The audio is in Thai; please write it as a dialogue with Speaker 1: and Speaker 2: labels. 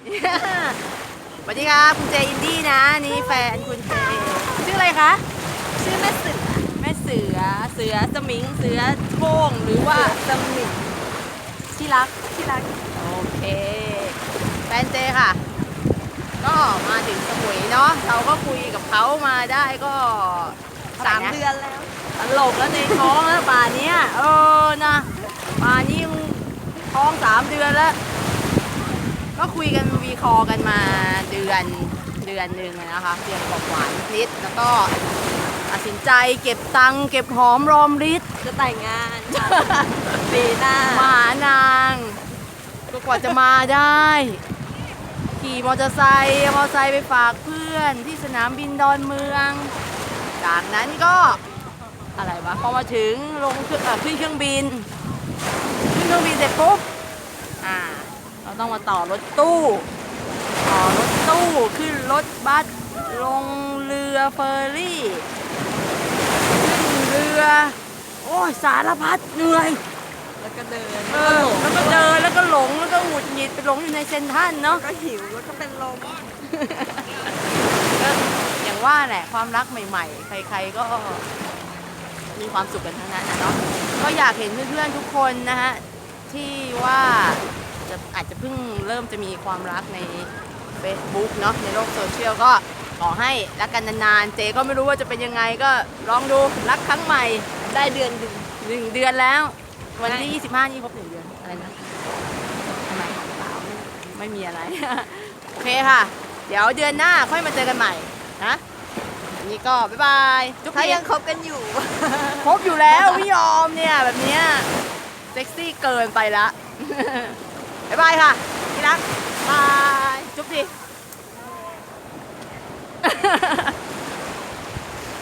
Speaker 1: สวัสดีครับคุณเจอินดี้นะนี่แฟนคุณเจชื่ออะไรคะ
Speaker 2: ชื่อแม่เสือ
Speaker 1: แม่เสือเสือสมิงเสือโคร่งหรือว่า
Speaker 2: สมิง
Speaker 1: ที่รัก
Speaker 2: ที่รัก
Speaker 1: โอเคแฟนเจค่ะก็มาถึงสมุยเนาะเราก็คุยกับเขามาได้ก็
Speaker 2: 3 เดือนแล้ว
Speaker 1: ตลกแล้วในท้องแล้วป่านนี้นะป่านนี้ท้อง3 เดือนแล้วก็คุยกันวีคอกันมาเดือนหนึ่งนะคะเดือนกว่านิดแล้วก็ตัดสินใจเก็บตังค์เก็บหอมรอมริบ
Speaker 2: จะแต่งงานปีหน้า
Speaker 1: มาหานางก็กว่าจะมาได้ขี่มอเตอร์ไซค์ไปฝากเพื่อนที่สนามบินดอนเมืองจากนั้นก็อะไรวะพอมาถึงลงขึ้นเครื่องบินเสร็จปุ๊บเราต้องมาต่อรถตู้ขึ้นรถบัสลงเรือเฟอร์รี่ขึ้นเรือโอ้ยสารพัดเหนื่อย
Speaker 2: แล้วก็เดิน
Speaker 1: แล้วก็เดินแล้วก็หลงแล้วก็หงุดหงิดไปหลงอยู่ในเซ็นทรัลเนาะ
Speaker 2: ก็หิวแล้วก็เป็นลม
Speaker 1: ก็อย่างว่าแหละความรักใหม่ๆใครๆก็มีความสุขกันทั้งนั้นนะเนาะก็อยากเห็นเพื่อนๆทุกคนนะฮะที่ว่าอาจจะเพิ่งเริ่มจะมีความรักใน Facebook เนาะในโลกโซเชียลก็ขอให้รักกันนานๆเจก็ไม่รู้ว่าจะเป็นยังไงก็ลองดูรักครั้งใหม่
Speaker 2: ได้เดือน
Speaker 1: 1 เดือนแล้ววันที่25นี่ครบ1 เดือนอะไรนะทำไมเปล่าไม่มีอะไร โอเคค่ะเดี๋ยวเดือนหน้าค่อยมาเจอกันใหม่นะนี่ก็บ๊ายบาย
Speaker 2: ถ้ายังคบกันอยู่
Speaker 1: คบอยู่แล้วไม่ยอมเนี่ยแบบเนี้ยเซ็กซี่เกินไปละ บ๊ายบายค่ะที่รักบายจุ๊บดิ